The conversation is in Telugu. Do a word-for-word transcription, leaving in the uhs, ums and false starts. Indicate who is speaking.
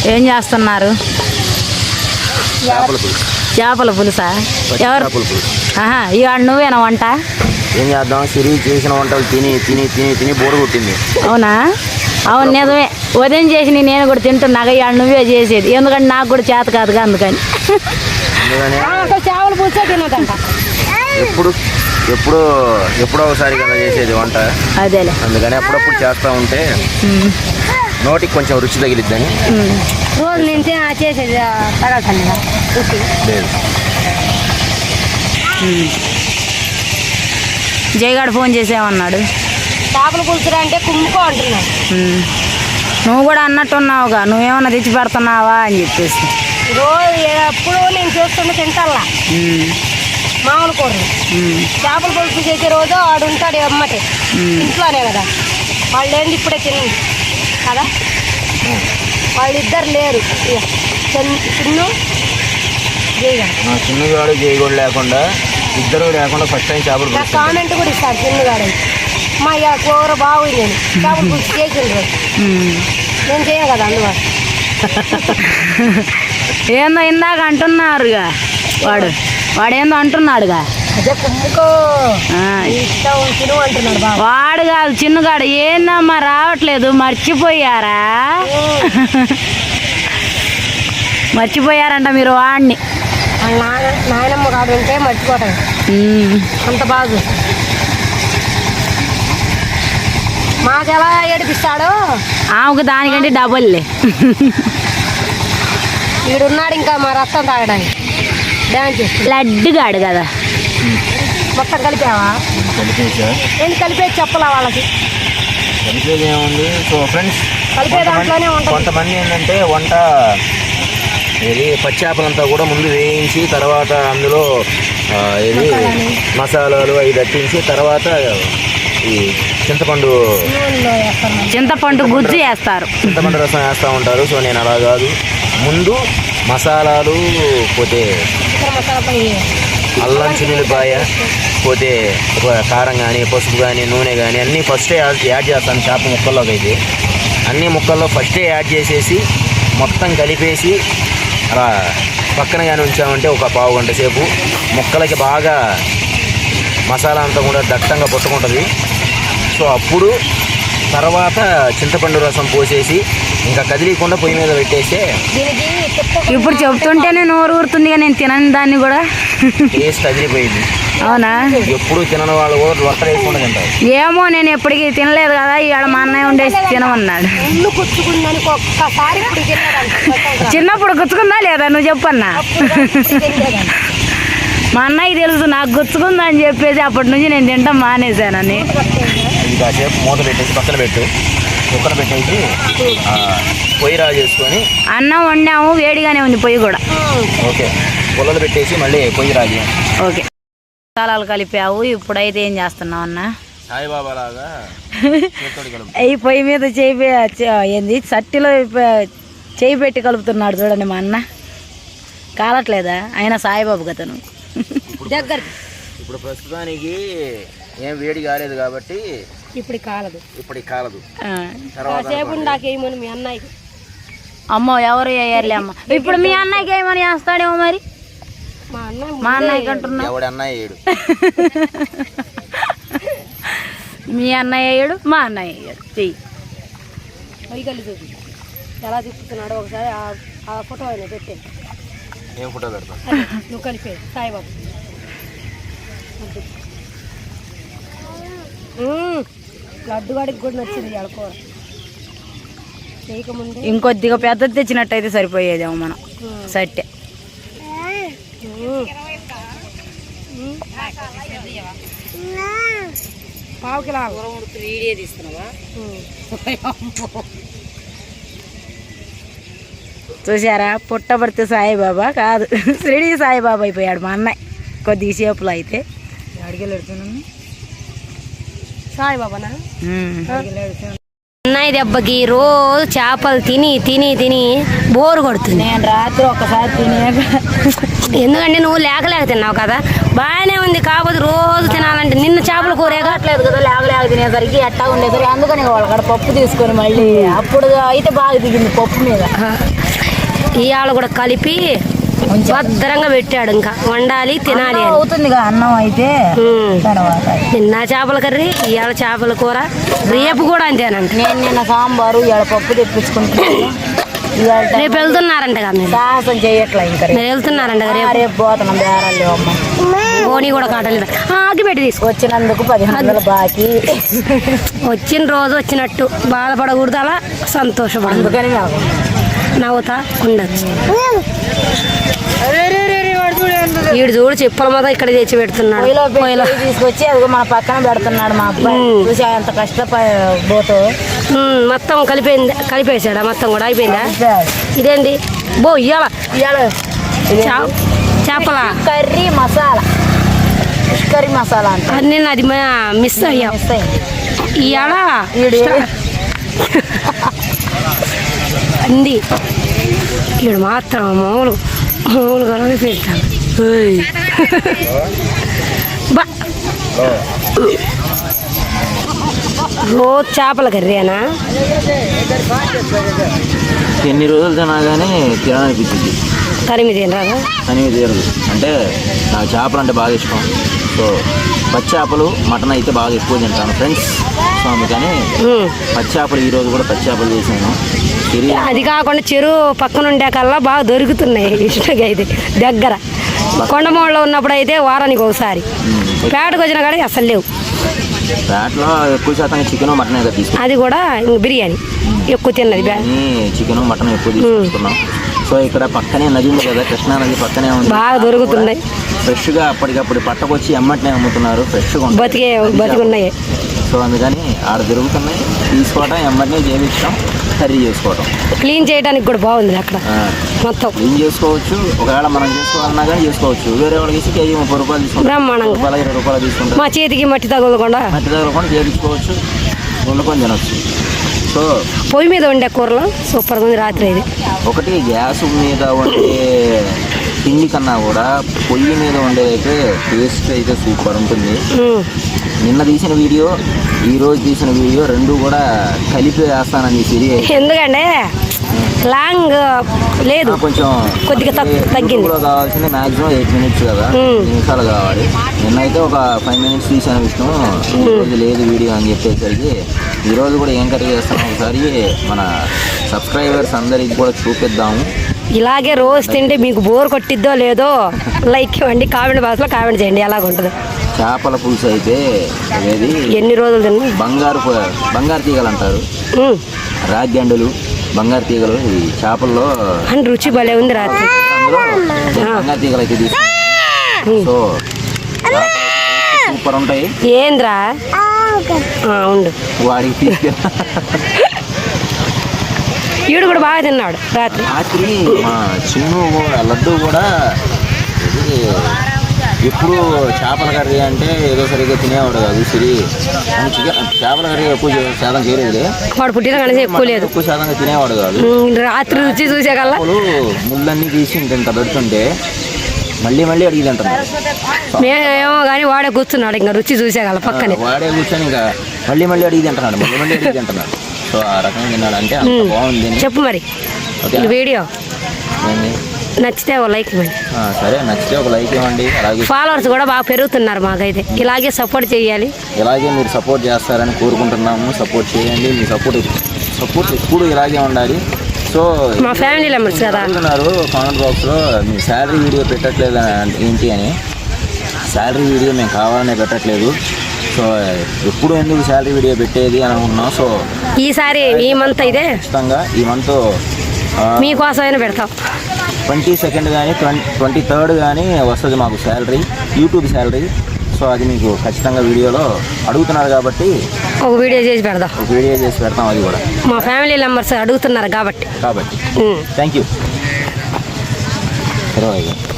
Speaker 1: ఏం చేస్తున్నారు? చేపల పులుసా? ఎవరు? ఆహా, ఇవాళ నువ్వేనా వంట?
Speaker 2: ఏం చేద్దాం, సిరి చేసిన వంటలు తిని తిని తిని తిని బోరు కొట్టింది.
Speaker 1: అవునా? అవును, నిజమే. ఉదయం చేసి నేను కూడా తింటున్నాగా, ఇవాళ నువ్వే చేసేది. ఎందుకంటే నాకు కూడా చేత కాదుగా, అందుకని. చేపల పులుసే తినదంట.
Speaker 2: ఎప్పుడు ఎప్పుడు ఎప్పుడో ఒకసారి కదా చేసేది వంట.
Speaker 1: అదేలే,
Speaker 2: అందుకని అప్పుడప్పుడు చేస్తూ ఉంటే నోటికి కొంచెం రుచి తగిలిద్దని.
Speaker 1: రోజు నేను చేసేది తగలుతాను
Speaker 2: లేదు.
Speaker 1: జయగాడు ఫోన్ చేసేమన్నాడు, చేపల పులుసు అంటే కుమ్ముకో అంటున్నాడు. నువ్వు కూడా అన్నట్టున్నావుగా, నువ్వేమన్నా తెచ్చి పెడుతున్నావా అని చెప్పేసి. రోజు ఎప్పుడు నేను చేస్తున్నా తింటల్లా మామూలు కూరలు. చేపల పులుసు చేసే రోజు వాడు ఉంటాడు అమ్మటే ఇంట్లోనే కదా, వాళ్ళు ఏంది ఇప్పుడే తినండి కదా, వాళ్ళిద్దరు లేరు. చిన్ను జయగాడు
Speaker 2: చిన్నగాడు జయగాడు లేకుండా ఇద్దరు లేకుండా ఫస్ట్ టైం చేపల పులుసు
Speaker 1: కామెంట్ కూడా ఇస్తాడు చిన్నగాడు. మా కూర బాగుంది, నేను చేపల పులుసు చేసిండ్రు, నేను చేయను కదా అందువల్ల. ఏందో ఇందాక అంటున్నారుగా, వాడు వాడేందో అంటున్నాడుగా, వాడు కాదు చిన్నగాడు. ఏందమ్మా రావట్లేదు, మర్చిపోయారా? మర్చిపోయారంట మీరు వాడిని. నాయనమ్మ కాడు ఉంటే మర్చిపోతాడు అంత బాగు. మాకెలా ఏడిపిస్తాడో ఆమెకు దానికంటే డబుల్లే. వీడున్నాడు ఇంకా మా రక్తం తాగడానికి. లడ్డుగాడు కదా. మొత్తం కలిపావా? ఏంటి కలిపేది చెప్పలా వాళ్ళకి?
Speaker 2: కలిపేది ఏముంది. సో ఫ్రెండ్స్,
Speaker 1: కలిపే దాంట్లోనే ఉంటుంది.
Speaker 2: కొంతమంది ఏంటంటే వంట ఇది పచ్చేపలంతా కూడా ముందు వేయించి తర్వాత అందులో ఇది మసాలాలు అవి దట్టించి తర్వాత ఈ చింతపండు చింతపండు గుజ్జు వేస్తారు, చింతపండు రసం వేస్తూ ఉంటారు. సో నేను అలా కాదు, ముందు మసాలాలు పోతే అల్లం చిల్లిపాయ పోతే కారం కానీ పసుపు కానీ నూనె కానీ అన్నీ ఫస్టే యాడ్ చేస్తాను చేప ముక్కల్లోకి. అయితే అన్ని ముక్కల్లో ఫస్టే యాడ్ చేసేసి మొత్తం కలిపేసి అలా పక్కన కానీ ఉంచామంటే ఒక పావు గంట సేపు ముక్కలకి బాగా మసాలా అంతా కూడా దట్టంగా పట్టుకుంటుంది. సో అప్పుడు తర్వాత చింతపండు రసం పోసేసి ఇంకా కదిలీకుండా పొయ్యి మీద పెట్టేస్తే. ఇప్పుడు చెప్తుంటేనే నోరు ఊరుతుంది, నేను తినని దాన్ని కూడా టేస్ట్ కదిలిపోయింది. అవునా? ఎప్పుడు తినని వాళ్ళు కూడా రొట్టె వేసుకుంటూ తింటారు. ఏమో, నేను ఎప్పటికీ తినలేదు కదా, ఇవాళ మా అన్నయ్య ఉండేసి తినమన్నాడు. చిన్నప్పుడు గుచ్చుకుందా లేదా నువ్వు చెప్పన్నా? మా అన్నయ్య తెలుసు నాకు గుచ్చుకుందా అని చెప్పేసి అప్పటి నుంచి నేను తింటాం మానేశానని. కాసేపు మూత పెట్టేసి పక్కన పెట్టు, కుక్కర్ పెట్టేసి పొయ్యి రా చేసుకొని
Speaker 1: అన్నం వండాము, వేడిగానే ఉంది పొయ్యి కూడా.
Speaker 2: ఓకే, పుల్లలు పెట్టేసి మళ్ళీ పొయ్యి రాజు.
Speaker 1: ఓకే, మసాలాలు కలిపావు. ఇప్పుడైతే ఏం చేస్తున్నావు అన్న?
Speaker 2: సాయిబాబా లాగా
Speaker 1: ఈ పొయ్యి మీద చేయి ఏంది సట్టిలో చేయి పెట్టి కలుపుతున్నాడు చూడండి మా అన్న. కాలట్లేదా? అయినా సాయిబాబు కథను దగ్గర.
Speaker 2: ఇప్పుడు ప్రస్తుతానికి ఏం వేడి కాలేదు కాబట్టి
Speaker 1: ఇప్పుడు కాలదు,
Speaker 2: ఇప్పుడు కాలదు.
Speaker 1: మీ అన్నయ్యకి అమ్మో ఎవరు వేయర్లే అమ్మ. ఇప్పుడు మీ అన్నయ్యకి ఏమని వేస్తాడేమో మరి. మా అన్నయ్యకి అంటున్నా,
Speaker 2: ఎవడు అన్నయ్య వేయడు.
Speaker 1: మీ అన్నయ్య వేయడు, మా అన్నయ్య వేయడు. చెయ్యి పైకల్లి చూపి ఎలా తిప్పుతున్నాడో ఒకసారి ఆ ఫోటో అయినా పెట్టే.
Speaker 2: ఏం ఫోటో పెడతా?
Speaker 1: నువ్వు కలిపే సాయిబాబు. లడ్డు వాడికి కూడా నచ్చింది అడుకో. చేయకముందే ఇంకొద్దిగా పెద్దది తెచ్చినట్టయితే సరిపోయేదేమో మనం సట్టే. పావు కిలో వీడియో తీస్తున్నావా? చూసారా, పుట్టబడితే సాయిబాబా కాదు షిరిడి సాయిబాబా అయిపోయాడు మా అన్నయ్య కొద్దిగా సేపులో. అయితే అడిగెళ్ళుతున్నాను సాయిబాబానా? అన్నయ్య దెబ్బకి రోజు చేపలు తిని తిని తిని బోరు కొడుతుంది. నేను రాత్రి ఒకసారి తినేక, ఎందుకంటే నువ్వు లేక లేక తిన్నావు కదా, బాగానే ఉంది. కాకపోతే రోజు తినాలంటే నిన్న చేపల కూర కావట్లేదు కదా, లేక లేక తినేసరికి ఎట్టా ఉండేసరికి అందుకని వాళ్ళ పప్పు తీసుకొని మళ్ళీ అప్పుడు అయితే బాగా దిగింది పప్పు మీద. ఇవాళ కూడా కలిపి భద్రంగా పెట్టాడు. ఇంకా వండాలి తినాలి అని.
Speaker 3: అవుతుందిగా అన్నం అయితే
Speaker 1: ఉమ్.
Speaker 3: తర్వాత
Speaker 1: నిన్న చేపల కర్రీ, ఇవాళ చేపల కూర, రేపు కూడా అంతేనంట.
Speaker 3: నేను నిన్న సాంబారు ఇవాళ పప్పు తెప్పించుకుంటున్నాను. ఇవాళ
Speaker 1: రేపు వెళ్తున్నారంటగా మీరు?
Speaker 3: సాహసం చేయట్లే ఇంకా
Speaker 1: మీరు వెళ్తున్నారంట రేపు?
Speaker 3: రేపు పోతున్నాం బేరాలు అమ్మ.
Speaker 1: బోని కూడా కాటలేదు. ఆగి పెట్టి తీసుకో.
Speaker 3: వచ్చినందుకు పదిహేను వందలు బాకీ.
Speaker 1: వచ్చిన రోజు వచ్చినట్టు బాధపడకూడదు, అలా సంతోషపడదు.
Speaker 3: అందుకని నాకు
Speaker 1: నవ్వుతా ఉండొచ్చు. వీడు చూడు చెప్పుల మీద ఇక్కడ తెచ్చి పెడుతున్నాడు.
Speaker 3: పొయ్యిలో పెట్టి
Speaker 1: పొయ్యిలో.
Speaker 3: తీసుకొచ్చి అది మన పక్కన పెడుతున్నాడు మా అబ్బాయి.
Speaker 1: ఉమ్.
Speaker 3: చూసి ఎంత కష్టపోతూ
Speaker 1: ఉమ్, మొత్తం కలిపోయింది. కలిపేసాడా మొత్తం కూడా? అయిపోయిందా? ఇదేంటి బో ఇయ్యాల చేపల
Speaker 3: curry masala, fish curry masala అంటే
Speaker 1: నేను అది మిస్ అయ్యా.
Speaker 3: మిస్ అయింది.
Speaker 1: ఇవాళ
Speaker 3: ఈడు
Speaker 1: అంది ఈడు మాత్రం మామూలు మామూలుగా పెడతాను. బా రోజు చేపల కర్రీనా?
Speaker 2: ఎన్ని రోజులు తినా కానీ తినాలనిపించింది.
Speaker 1: తరిమి తినరాదు
Speaker 2: అని తీరదు. అంటే నాకు చేపలు అంటే బాగా ఇష్టం. సో పచ్చి చేపలు, మటన్ అయితే బాగా ఎక్కువ తింటాను ఫ్రెండ్స్. సో అందుకని పచ్చి చేపలు ఈరోజు కూడా పచ్చి చేపలు చేశాను.
Speaker 1: అది కాకుండా చెరువు పక్కన ఉండే కల్లా బాగా దొరుకుతున్నాయి ఇష్టంగా. అయితే దగ్గర కొండమూడలో ఉన్నప్పుడు అయితే వారానికి ఒకసారి, పేటకు వచ్చిన కాడికి అసలు లేవు.
Speaker 2: పేటలో ఎక్కువ శాతం చికెన్ మటన్ కదా తీసుకున్నాం.
Speaker 1: అది కూడా ఇంక బిర్యానీ ఎక్కువ తిన్నది.
Speaker 2: చికెన్ మటన్ ఎక్కువ తీసుకున్నాం. సో ఇక్కడ పక్కనే నది ఉంది కదా, కృష్ణా నది పక్కనే ఉంది,
Speaker 1: బాగా దొరుకుతున్నాయి.
Speaker 2: ఫ్రెష్గా అప్పటికప్పుడు పట్టకొచ్చి ఎమ్మటినే అమ్ముతున్నారు. ఫ్రెష్గా
Speaker 1: బతికే బతికున్నాయి.
Speaker 2: సో అందుకని ఆడ దొరుకుతున్నాయి, తీసుకోవటం ఎమ్మటినే చేయించడం, కర్రీ చేసుకోవటం.
Speaker 1: క్లీన్ చేయడానికి కూడా బాగుంది అక్కడ మొత్తం.
Speaker 2: క్లీన్ చేసుకోవచ్చు. ఒకవేళ మనం చేసుకోవాలన్నా కానీ చేసుకోవచ్చు. వేరే వాళ్ళకి ఇచ్చి కేజీ ముప్పై రూపాయలు తీసుకుంటాం,
Speaker 1: బ్రహ్మాండంగా
Speaker 2: రూపాయలు ఇరవై రూపాయలు తీసుకుంటాం.
Speaker 1: మా చేతికి మట్టి తగలకుండా
Speaker 2: మట్టి తగలకుండా చేయించుకోవచ్చు, వండుకొని తినొచ్చు. సో
Speaker 1: పొయ్యి మీద వండే కూరలో సూపర్గా ఉంది రాత్రి. ఇది
Speaker 2: ఒకటి గ్యాస్ మీద వండే తిండి కన్నా కూడా పొయ్యి మీద వండేదైతే టేస్ట్ అయితే సూపర్ ఉంటుంది. నిన్న తీసిన వీడియో, ఈ రోజు తీసిన వీడియో రెండు కూడా కలిపి వేస్తానని సిరి.
Speaker 1: ఎందుకంటే లాంగ్ లేదు,
Speaker 2: కొంచెం
Speaker 1: కొద్దిగా తగ్గింది.
Speaker 2: కావాల్సింది మాక్సిమం ఎయిట్ మినిట్స్ కదా, నిమిషాలు కావాలి. నిన్నైతే ఒక ఫైవ్ మినిట్స్ తీసాను విష్ణు. ఈ రోజు లేదు వీడియో అని చెప్పేసరికి ఈ రోజు కూడా ఏం కర్రీ చేస్తాను ఒకసారి మన సబ్స్క్రైబర్స్ అందరికి కూడా చూపిద్దాము.
Speaker 1: ఇలాగే రోజు తింటే మీకు బోర్ కొట్టిద్దో లేదో లైక్ ఇవ్వండి, కామెంట్ బాక్స్లో కామెంట్ చేయండి ఎలాగుంటుందో.
Speaker 2: చేపల పులుసు అయితే అనేది
Speaker 1: ఎన్ని రోజులు తిన్నా
Speaker 2: బంగారు బంగారు తీగలు అంటారు, రాగ్యండులు, బంగారు తీగలు ఈ చేపల్లో
Speaker 1: అని రుచి భలే ఉంది రాత్రి.
Speaker 2: అందులో బంగారు తీగలు అయితే తీసుకుంటాం. సో సూపర్ ఉంటాయి.
Speaker 1: ఏంద్రా ఉండు
Speaker 2: వాడికి తీసుకెళ్ళి
Speaker 1: ఈడు కూడా బాగా తిన్నాడు రాత్రి.
Speaker 2: రాత్రి మా చిన్ను లడ్డు కూడా ఎప్పుడు చేపల కర్రీ అంటే ఏదో సరిగ్గా తినేవాడు కాదు సిరి. అని చికెన్ చేపల కర్రీ ఎక్కువ శాతం చేయలేదు.
Speaker 1: వాడు పుట్టిన కనీసం ఎక్కువ లేదు,
Speaker 2: ఎక్కువ శాతంగా తినేవాడు కాదు.
Speaker 1: రాత్రి రుచి చూసే కల్లా
Speaker 2: ముళ్ళన్నీ తీసి ఇంత పెడుతుంటే మళ్ళీ మళ్ళీ అడిగి తింటున్నాడు.
Speaker 1: మేమేమో కానీ వాడే కూర్చున్నాడు ఇంకా రుచి చూసే కల్లా పక్కనే.
Speaker 2: వాడే కూర్చొని ఇంకా మళ్ళీ మళ్ళీ అడిగి తింటున్నాడు, మళ్ళీ మళ్ళీ అడిగి తింటున్నాడు. సో ఆ రకంగా తిన్నాడు అంటే అంత బాగుంది.
Speaker 1: చెప్పు మరి ఈ వీడియో నచ్చితే ఒక లైక్ ఇవ్వండి.
Speaker 2: సరే నచ్చితే ఒక లైక్ ఇవ్వండి. అలాగే
Speaker 1: ఫాలోవర్స్ కూడా బాగా పెరుగుతున్నారు మాకైతే. ఇలాగే సపోర్ట్ చేయాలి. ఇలాగే
Speaker 2: మీరు సపోర్ట్ చేస్తారని కోరుకుంటున్నాము. సపోర్ట్ చేయండి. మీ సపోర్ట్ సపోర్ట్ ఎప్పుడు ఇలాగే ఉండాలి. సో
Speaker 1: మా ఫ్యామిలీ మెంబర్స్ కదా
Speaker 2: అడుగుతున్నారు కామెంట్ బాక్స్లో మీ శాలరీ వీడియో పెట్టట్లేదు ఏంటి అని. శాలరీ వీడియో మేము కావాలనే పెట్టట్లేదు. సో ఎప్పుడు ఎందుకు శాలరీ వీడియో పెట్టేది అని అనుకున్నాం. సో
Speaker 1: ఈసారి ఈ మంత్ అయితే
Speaker 2: ఖచ్చితంగా ఈ మంత్
Speaker 1: మీకోసమైనా పెడతాం.
Speaker 2: ట్వంటీ సెకండ్ కానీ ట్వంటీ ట్వంటీ థర్డ్ కానీ వస్తుంది మాకు శాలరీ, యూట్యూబ్ శాలరీ. సో అది మీకు ఖచ్చితంగా వీడియోలో అడుగుతున్నారు కాబట్టి
Speaker 1: ఒక వీడియో చేసి పెడదాం.
Speaker 2: ఒక వీడియో చేసి పెడతాం. అది కూడా
Speaker 1: మా ఫ్యామిలీ మెంబర్స్ అడుగుతున్నారు కాబట్టి
Speaker 2: కాబట్టి థ్యాంక్ యూ.